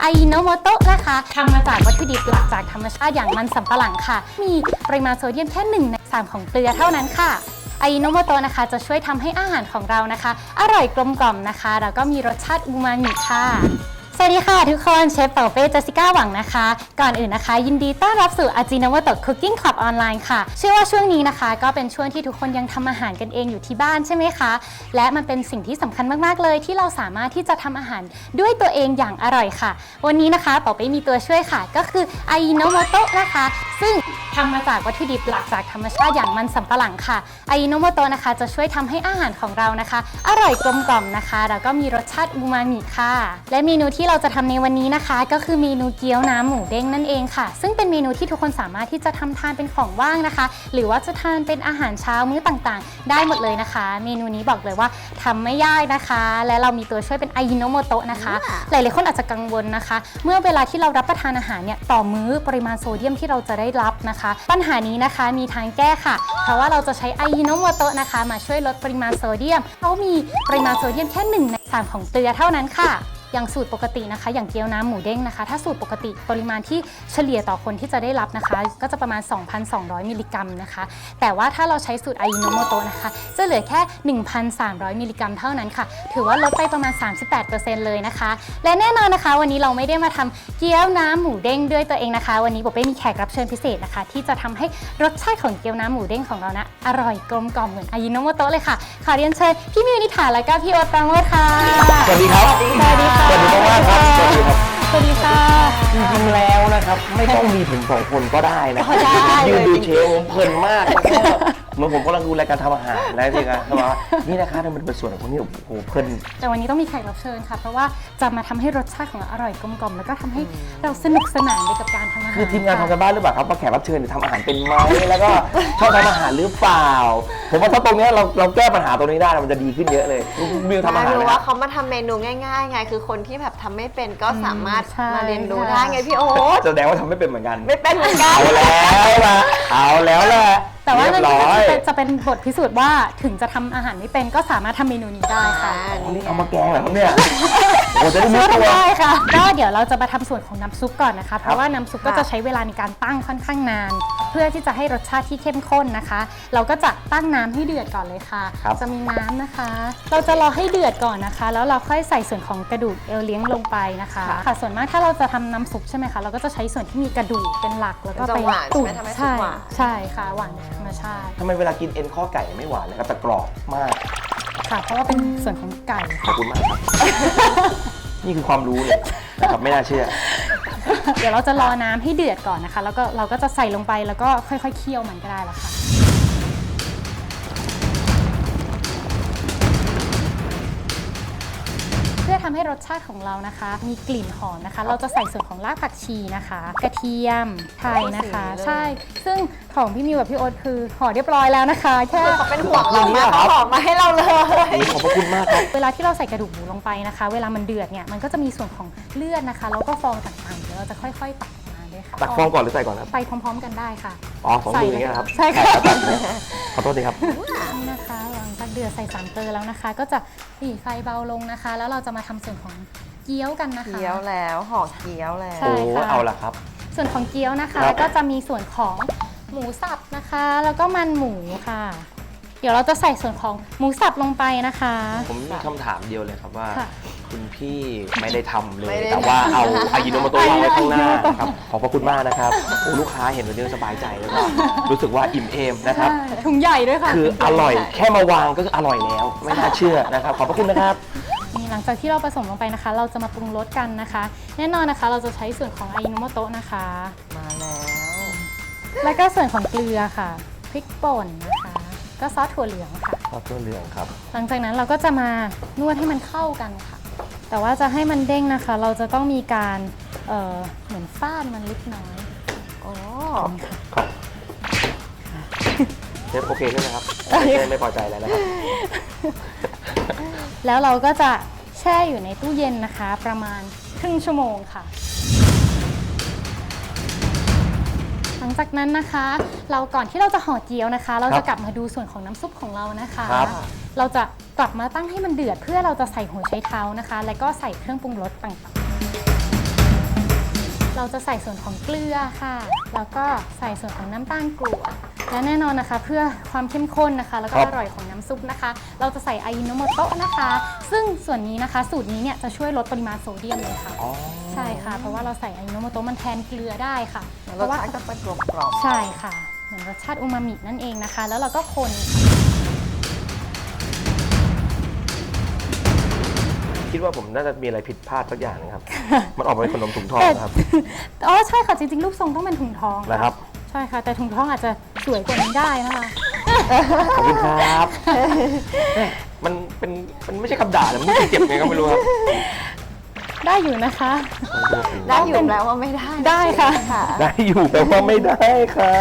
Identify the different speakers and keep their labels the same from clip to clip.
Speaker 1: โนโมโตะนะคะทำมาจากวัตถุดิบหลักจากธรรมชาติอย่างมันสำปะหลังค่ะมีปริมาณโซเดียมแค่1 ใน 3ของเกลือเท่านั้นค่ะโนโมโตะนะคะจะช่วยทำให้อาหารของเรานะคะอร่อยกลมกล่อมนะคะแล้วก็มีรสชาติอูมามิค่ะสวัสดีค่ะทุกคนเชฟเป่าเป้เจสสิก้าหวังนะคะก่อนอื่นนะคะยินดีต้อนรับสู่อาจิโนโมโตะคุกกิ้งคลับออนไลน์ค่ะเชื่อว่าช่วงนี้นะคะก็เป็นช่วงที่ทุกคนยังทำอาหารกันเองอยู่ที่บ้านใช่ไหมคะและมันเป็นสิ่งที่สำคัญมากๆเลยที่เราสามารถที่จะทำอาหารด้วยตัวเองอย่างอร่อยค่ะวันนี้นะคะเป่าเป้มีตัวช่วยค่ะก็คือโนโมโตะนะคะซึ่งทำมาจากวัตถุดิบหลักจากธรรมชาติอย่างมันสำปะหลังค่ะโนโมโตะนะคะจะช่วยทำให้อาหารของเรานะคะอร่อยกลมกล่อมนะคะแล้วก็มีรสชาติอูมามิค่ะและเมนูที่เราจะทำในวันนี้นะคะก็คือเมนูเกี๊ยวน้ำหมูเด้งนั่นเองค่ะซึ่งเป็นเมนูที่ทุกคนสามารถที่จะทำทานเป็นของว่างนะคะหรือว่าจะทานเป็นอาหารเช้ามื้อต่างๆได้หมดเลยนะคะเมนูนี้บอกเลยว่าทำไม่ยากนะคะและเรามีตัวช่วยเป็นโนโมโตะนะคะหลายๆคนอาจจะกังวลนะคะเมื่อเวลาที่เรารับประทานอาหารเนี่ยต่อมื้อปริมาณโซเดียมที่เราจะได้รับนะคะปัญหานี้นะคะมีทางแก้ค่ะเพราะว่าเราจะใช้โนโมโตะนะคะมาช่วยลดปริมาณโซเดียมเขามีปริมาณโซเดียมแค่1 ใน 3ของเกลือเท่านั้นค่ะอย่างสูตรปกตินะคะอย่างเกี๊ยวน้ำหมูเด้งนะคะถ้าสูตรปกติปริมาณที่เฉลี่ยต่อคนที่จะได้รับนะคะก็จะประมาณ 2,200 มิลลิกรัมนะคะแต่ว่าถ้าเราใช้สูตรโนโมโตะนะคะจะเหลือแค่ 1,300 มิลลิกรัมเท่านั้นค่ะถือว่าลดไปประมาณ 38% เลยนะคะและแน่นอนนะคะวันนี้เราไม่ได้มาทำเกี๊ยวน้ำหมูเด้งด้วยตัวเองนะคะวันนี้โบเป้มีแขกรับเชิญพิเศษนะคะที่จะทำให้รสชาติของเกี๊ยวน้ำหมูเด้งของเรานะอร่อยกลมกล่อมเหมือนโนโมโตะเลยค่ะขอเรียนเชิญพี่มิวนิถาและก็พี่โอ๊ตปราโมชค่ะ
Speaker 2: สวัสดีครับสวัสดีค่ะสวัสดีมากครับสวัสดีครับ
Speaker 1: สวัสดีค่ะ
Speaker 2: จริงๆแล้วนะครับไม่ต้องมีถึง2 คนก็ได้นะยืนดูเชฟผมเพลินมากแล้วก็เหมือนผมกำลังดูรายการทำอาหารแล้วจริงๆนะว่านี่นะคะมันเป็นส่วนของคนที่โอ้โหเพลิน
Speaker 1: แต่วันนี้ต้องมีแขกรับเชิญค่ะเพราะว่าจะมาทำให้รสชาติของเราอร่อยกลมกล่อมแล้วก็ทำให้เราสนุกสนานไปกับการทำอาหาร
Speaker 2: คือทีมงานทำกันบ้านหรือเปล่าครับว่าแขกรับเชิญทำอาหารเป็นไหมแล้วก็ชอบทำอาหารหรือเปล่าผมว่าถ้าตรงนี้เราแก้ปัญหาตรงนี้ได้มันจะดีขึ้นเยอะเลยมิวทำอาหาร
Speaker 3: รู้ว่าเขามาทำเมนูง่ายๆไงคือคนที่แบบทำไม่เป็นก็สามารถมาเรียนรู้ได้ไงพี่โอ๊ต
Speaker 2: แสดงว่าทำไม่เป็นเหมือนกัน
Speaker 3: ไม่เป็นเหมือนกัน
Speaker 2: เอาแล้วแหละ
Speaker 1: แต่ว่าเรื่องนี้จะเป็นบทพิสูจน์ว่าถึงจะทำอาหารไม่เป็นก็สามารถทำเมนูนี้ได้ค่ะ
Speaker 2: นี่เอามาแกงเหรอครับเนี่ยโอ้จะได้รู้ตัว
Speaker 1: ได้ค่ะก็เดี๋ยวเราจะมาทำส่วนของน้ำซุปก่อนนะคะเพราะว่าน้ำซุปก็จะใช้เวลาในการตั้งค่อนข้างนานเพื่อที่จะให้รสชาติที่เข้มข้นนะคะเราก็จะตั้งน้ำให้เดือดก่อนเลยค่ะจะมีน้ำนะคะเราจะรอให้เดือดก่อนนะคะแล้วเราค่อยใส่ส่วนของกระดูกเอวเลี้ยงลงไปนะคะค่ะส่วนมากถ้าเราจะทำน้ำซุปใช่ไหมคะเราก็จะใช้ส่วนที่มีกระดูกเป็นหลักแล้วก็ไปตุ๋นใช่ค่ะหวานธรรมชาติ
Speaker 2: ทำไมเวลากินเอ็นข้อไก่ไม่หวานเลยครับแต่กรอบมาก
Speaker 1: ค่ะเพราะว่าเป็นส่วนของไก่
Speaker 2: ขอบคุณมากครับนี่คือความรู้เลยนะครับไม่น่าเชื่อ
Speaker 1: เดี๋ยวเราจะรอน้ำให้เดือดก่อนนะคะแล้วก็เราก็จะใส่ลงไปแล้วก็ค่อยๆเคี่ยวมันก็ได้แล้วค่ะเพื่อทำให้รสชาติของเรานะคะมีกลิ่นหอมนะคะเราจะใส่ส่วนของรากผักชีนะคะกระเทียมไทยนะคะใช่ซึ่งของพี่มิวกับพี่โอ๊ตคือห่อเรียบร้อยแล้วนะคะแค่
Speaker 3: เขาเป็นห่วงเรามากเขาห่อมาให้เราเลย
Speaker 2: ขอบคุณมากครับ
Speaker 1: เวลาที่เราใส่กระดูกหมูลงไปนะคะเวลามันเดือดเนี่ยมันก็จะมีส่วนของเลือดนะคะแล้วก็ฟองต่างๆเดี๋ยวเราจะค่อยๆตักมาด้วยค่ะ
Speaker 2: ตักฟองก่อนหรือใส่ก่อนครับ
Speaker 1: ไปพร้อมๆกันได้ค่ะ
Speaker 2: อ๋อ2 มืออย่างเงี้ยครับ
Speaker 1: ใช่ค่ะ
Speaker 2: ขอโทษทีครับ
Speaker 1: นี่นะคะหลังจากเดือดใส่3 เกลือแล้วนะคะก็จะปิดไฟเบาลงนะคะแล้วเราจะมาทำส่วนของเกี๊ยวกันนะคะ
Speaker 3: เกี๊ยวแล้วห่อเกี๊ยวแล้ว
Speaker 1: ใช่ค่ะ
Speaker 2: เอาละครับ
Speaker 1: ส่วนของเกี๊ยวนะคะก็จะมีส่วนของหมูสับนะคะแล้วก็มันหมูค่ะเดี๋ยวเราจะใส่ส่วนของหมูสับลงไปนะคะ
Speaker 2: ผมมีคำถามเดียวเลยครับว่าคุณพี่ไม่ได้ทำเลยแต่ว่าเอาโนโมโตะวางไว้ข้างหน้าครับขอบพระคุณมากนะครับโอ้ลูกค้าเห็นแบบนี้สบายใจแล้วก็รู้สึกว่าอิ่มเอมนะครับ
Speaker 1: ถุงใหญ่ด้วยค่ะ
Speaker 2: คืออร่อยแค่มาวางก็คืออร่อยแล้วไม่น่าเชื่อนะครับขอบพระคุณนะครับ
Speaker 1: นี่หลังจากที่เราผสมลงไปนะคะเราจะมาปรุงรสกันนะคะแน่นอนนะคะเราจะใช้ส่วนของโนโมโตะนะคะ
Speaker 3: มา
Speaker 1: แล้วก็ส่วนของเกลือค่ะพริกป่นนะคะก็ซอสถั่วเหลืองค่ะ
Speaker 2: ซอสถั่วเหลืองครับ
Speaker 1: หลังจากนั้นเราก็จะมานวดให้มันเข้ากันค่ะแต่ว่าจะให้มันเด้งนะคะเราจะต้องมีการเหมือนฟาดมันเล็กน้อย
Speaker 3: อ๋อ
Speaker 2: ครับเชฟโอเคใช่ไหมครับไม่พอใจแล้วนะครับ
Speaker 1: แล้วเราก็จะแช่อยู่ในตู้เย็นนะคะประมาณครึ่งชั่วโมงค่ะหลังจากนั้นนะคะเราก่อนที่เราจะห่อเกี๊ยวนะคะเราจะกลับมาดูส่วนของน้ำซุปของเรานะคะเราจะกลับมาตั้งให้มันเดือดเพื่อเราจะใส่หัวไชเท้านะคะและก็ใส่เครื่องปรุงรสต่างๆเราจะใส่ส่วนของเกลือค่ะ แล้วก็ใส่ส่วนของน้ำตาลกรวดและแน่นอนนะคะเพื่อความเข้มข้นนะคะแล้วก็อร่อยของน้ำซุปนะคะ เราจะใส่อายิโนโมโตะนะคะ ซึ่งส่วนนี้นะคะสูตรนี้เนี่ยจะช่วยลดปริมาณโซเดียมเลยค่ะใช่ค่ะเพราะว่าเราใส่อายิโนโมโตะมันแทนเกลือได้ค่ะ
Speaker 3: รสชาติก็จะกลมกล่อม
Speaker 1: ใช่ค่ะเหมือนรสชาติอูมามินั่นเองนะคะ แล้วเราก็คน
Speaker 2: คิดว่าผมน่าจะมีอะไรผิดพลาดสักอย่างนะครับ มันออกมาเป็นขนมถุงทองนะครับ
Speaker 1: อ๋อใช่ค่ะจริงๆรูปทรงต้องเป็นถุงทองะ
Speaker 2: นะครับ
Speaker 1: ใช่ค่ะแต่ถุงทองอาจจะสวยกว่านี้ได้นะคะ
Speaker 2: ขอบคุณครับแหม่มันไม่ใช่คำด่าแต่มันรู้สึกเจ็บไงก็ไม่รู้ครับ
Speaker 1: ได้อยู่นะคะ
Speaker 3: ได้อยู่แล้วว่าไม่ได้
Speaker 1: ได้ค่ะ
Speaker 2: ได้อยู่แต่ว่าไม่ได้ครับ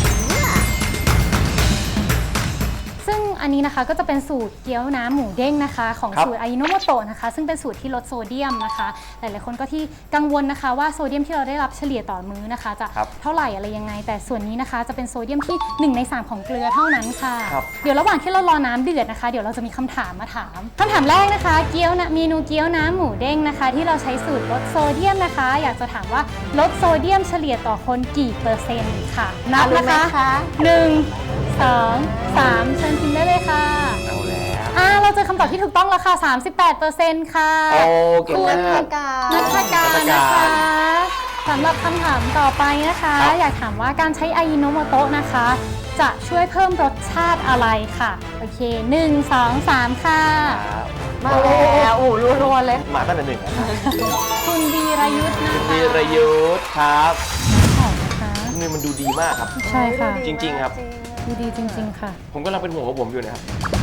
Speaker 1: ซึ่งอันนี้นะคะก็จะเป็นสูตรเกี๊ยวน้ำหมูเด้งนะคะของ
Speaker 2: ครับ
Speaker 1: สูตรอายิโนโมโตะนะคะซึ่งเป็นสูตรที่ลดโซเดียมนะคะหลายๆคนก็ที่กังวลนะคะว่าโซเดียมที่เราได้รับเฉลี่ยต่อมื้อนะคะจะ
Speaker 2: ครับ
Speaker 1: เท่าไหร่อะไรยังไง แต่ส่วนนี้นะคะจะเป็นโซเดียมที่1 ใน 3ของเกลือเท่านั้นค่ะ
Speaker 2: ครับ
Speaker 1: เดี๋ยวระหว่างที่เรารอน้ำเดือดนะคะเดี๋ยวเราจะมีคำถามมาถามคำถามแรกนะคะเกี๊ยวนะเมนูเกี๊ยวน้ำหมูเด้งนะคะที่เราใช้สูตรลดโซเดียมนะคะ อยากจะถามว่าลดโซเดียมเฉลี่ยต่อคนกี่เปอร์เซ็นต์ค่ะนับ
Speaker 3: รู้
Speaker 1: นะ
Speaker 3: ไหม
Speaker 1: คะ
Speaker 3: คะ
Speaker 1: 1 2 3เชิญพิมพ์ได้เลยค่ะ
Speaker 2: เอาแล้ว
Speaker 1: เราเจอคำตอบที่ถูกต้องแล้วค่ะ 38%ค่ะ
Speaker 2: โอ้เก่ง
Speaker 3: คุณ
Speaker 2: มาก
Speaker 1: นัทการนะคะสำหรับคำถามต่อไปนะคะ
Speaker 2: ครับ
Speaker 1: อยากถามว่าการใช้อายิโนโมโตะนะคะ จะช่วยเพิ่มรสชาติอะไรค่ะ โอเค 1 2 3 ค่ะ
Speaker 2: ครับ
Speaker 3: มาแล้วโอ้โหรัวๆเลย
Speaker 2: มาตั้งแต่หนึ่งนะครับ
Speaker 1: คุณวีรยุทธ์นะคะ
Speaker 2: วีรยุทธ์ครับ
Speaker 1: หอมนะคะ
Speaker 2: นี่มันดูดีมากครับ
Speaker 1: ใช่ค่ะ
Speaker 2: จริงๆครับ
Speaker 1: ดูดีจริง ๆ ค่ะ
Speaker 2: ผมกำลังเป็นห่วงของผมอยู่นะครับ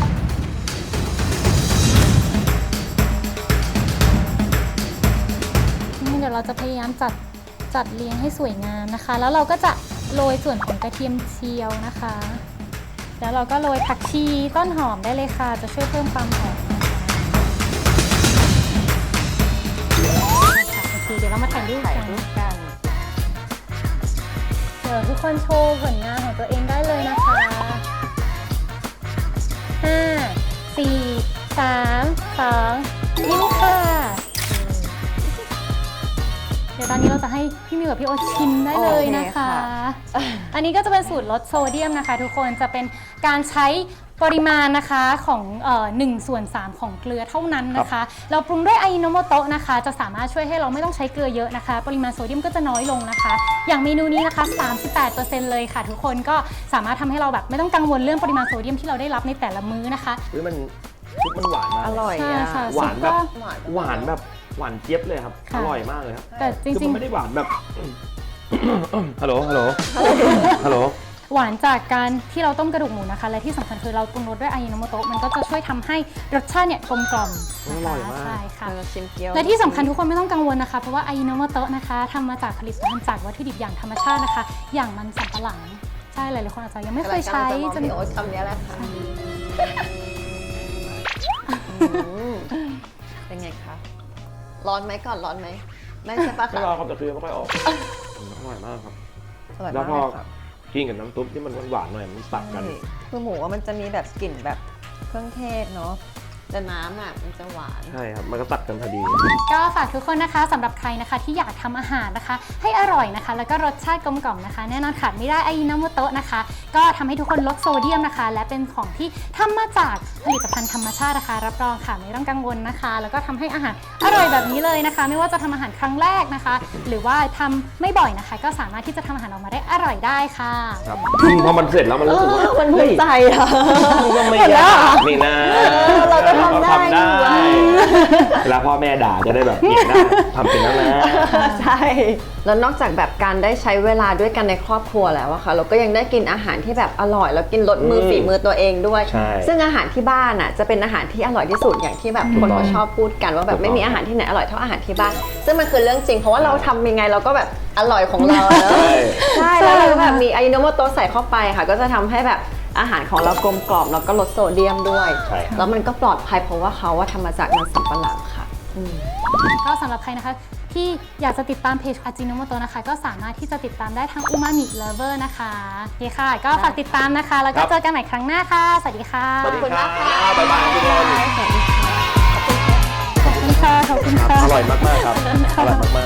Speaker 1: นี่เดี๋ยวเราจะพยายามจัดเรียงให้สวยงามนะคะ แล้วเราก็จะโรยส่วนของกระเทียมเจียวนะคะ แล้วเราก็โรยผักชีต้นหอมได้เลยค่ะ จะช่วยเพิ่มความหอมนะคะโอเคเดี๋ยวเรามาถ่ายรูป
Speaker 3: ถ่าย
Speaker 1: กัน
Speaker 3: รูปกัน
Speaker 1: เดี๋ยวทุกคนโชว์ผลงานของตัวเองได้เลยนะคะ5 4 3 2ยิ้มค่ะ เดี๋ยวตอนนี้เราจะให้พี่มิวกับพี่โอตชิมได้เลยนะคะ อันนี้ก็จะเป็นสูตรลดโซเดียมนะคะ ทุกคนจะเป็นการใช้ปริมาณนะคะของ1/3ของเกลือเท่านั้นนะคะ เราปรุงด้วยอายิโนโมโตะนะคะ จะสามารถช่วยให้เราไม่ต้องใช้เกลือเยอะนะคะ ปริมาณโซเดียมก็จะน้อยลงนะคะ อย่างเมนูนี้นะคะ 38% เลยค่ะ ทุกคนก็สามารถทำให้เราแบบไม่ต้องกังวลเรื่องปริมาณโซเดียมที่เราได้รับในแต่ละมื้อนะคะ
Speaker 2: เฮ้ยมันซุปมันหวานมาก
Speaker 3: อร่อย
Speaker 1: ใช่
Speaker 3: อ่ะ
Speaker 1: ค่ะ
Speaker 2: หวานแบบ
Speaker 1: ซุปก็
Speaker 2: หวานแบบหวานเจี๊ยบเลยครับ
Speaker 1: ค่ะ
Speaker 2: อร่อยมากเลยครับ
Speaker 1: แต่จ
Speaker 2: คือ
Speaker 1: ริ
Speaker 2: มั
Speaker 1: ง
Speaker 2: นไม่ได้หวานแบบ ฮัลโหล ฮัลโหล ฮัลโหล
Speaker 1: ๆ หวานจากการที่เราต้มกระดูกหมูนะคะ และที่สำคัญคือเราปรุงรสด้วยอายิโนโมโตะมันก็จะช่วยทำให้รสชาติเนี่ยกลมกล่อม
Speaker 2: อ
Speaker 1: นะ
Speaker 2: ร่
Speaker 1: คะ
Speaker 2: อยมาก
Speaker 1: ใช่ค่ะ
Speaker 3: เราชิมเกี๊ยว
Speaker 1: และที่สำคัญทุกคนไม่ต้องกังวลนะคะ เพราะว่าอายิโนโมโตะนะคะทำมาจากผลิตภัณฑ์จากวัตถุดิบอย่างธรรมชาตินะคะ อย่างมันสำปะหลัง ใช่หลายๆคนอาจจะยังไม่เคยใช้
Speaker 3: จะ
Speaker 1: จะ
Speaker 3: มีโอ๊ตคำนี้แหละค่ะเป็นไงคะ ร้อนไหมก่อนร้อนไหม ไม่ใช่ปะ
Speaker 2: ไม่
Speaker 3: คะ
Speaker 2: รอครับแต่คือไม่ค่อยออกอร่อยมากครับ
Speaker 3: อร่อย
Speaker 2: แล้ว
Speaker 3: มาก
Speaker 2: พอ
Speaker 3: เลยค่ะ
Speaker 2: กินกับน้ำซุปที่มันหวานๆหน่อยมันตัดกัน
Speaker 3: คือหมูว่ามันจะมีแบบกลิ่นแบบเครื่องเทศเนาะ แต่น้ำอ่ะมันจะหวาน
Speaker 2: ใช่ครับ มันก็ตัดกันพอดี
Speaker 1: ก็ฝากทุกคนนะคะสำหรับใครนะคะที่อยากทำอาหารนะคะ ให้อร่อยนะคะ แล้วก็รสชาติกลมกล่อมนะคะ แน่นอนขาดไม่ได้อายิโนโมโตะนะคะ ก็ทำให้ทุกคนลดโซเดียมนะคะ และเป็นของที่ทำมาจากผลิตภัณฑ์ธรรมชาตินะคะรับรองค่ะไม่ต้องกังวลนะคะ แล้วก็ทำให้อาหารอร่อยแบบนี้เลยนะคะ ไม่ว่าจะทำอาหารครั้งแรกนะคะ หรือว่าทำไม่บ่อยนะคะ ก็สามารถที่จะทำอาหารออกมาได้อร่อยได้ค่ะ
Speaker 2: ครับพอมันเสร็จแล้วมันรู้สึกว่า
Speaker 3: มันภูมิใจอะ
Speaker 2: ก็ไม่ยากนี่นะ
Speaker 3: เราก็ทำได้
Speaker 2: เวลาพ่อแม่ด่าจะได้แบบเก่งได้ทำเป็นแล้วนะ
Speaker 3: ใช่ แล้วนอกจากแบบการได้ใช้เวลาด้วยกันในครอบครัวแล้วอะค่ะ เราก็ยังได้กินอาหารที่แบบอร่อย แล้วกินรสมือฝีมือตัวเองด้วย
Speaker 2: ใช่
Speaker 3: ซึ่งอาหารที่บ้านอะจะเป็นอาหารที่อร่อยที่สุดอย่างที่แบบคนเขาชอบพูดกันว่าแบบไม่มีอาหารที่ไหนอร่อยเท่าอาหารที่บ้าน ซึ่งมันคือเรื่องจริง เพราะว่าเราทำยังไงเราก็แบบอร่อยของเราอะเนอะ ใช่แล้วเราก็แบบมีอายิโนโมโตะใส่เข้าไปค่ะ ก็จะทำให้แบบอาหารของเรากลมกล่อมแล้วก็ลดโซเดียมด้วย
Speaker 2: ใช่ครับ
Speaker 3: แล้วมันก็ปลอดภัยเพราะว่าเขาว่าทำมาจากมันสำปะหลังค่ะ
Speaker 1: ก็สำหรับใครนะคะที่อยากจะติดตามเพจอาจิโนโมโตะนะคะ ก็สามารถที่จะติดตามได้ทางอูมามิเลเวอร์นะคะโอเคค่ะ ก็ฝากติดตามนะคะ แล้วก็เจอกันใหม่ครั้งหน้าค่ะ สวัสดีค่ะ
Speaker 2: สวัสดี
Speaker 3: ขอบคุณมากค่ะ
Speaker 2: บ๊ายบายทุกคน
Speaker 1: ขอบคุณค่ะ ขอบคุณค่ะ
Speaker 2: อร่อยมากๆครับ อร่อยมากๆ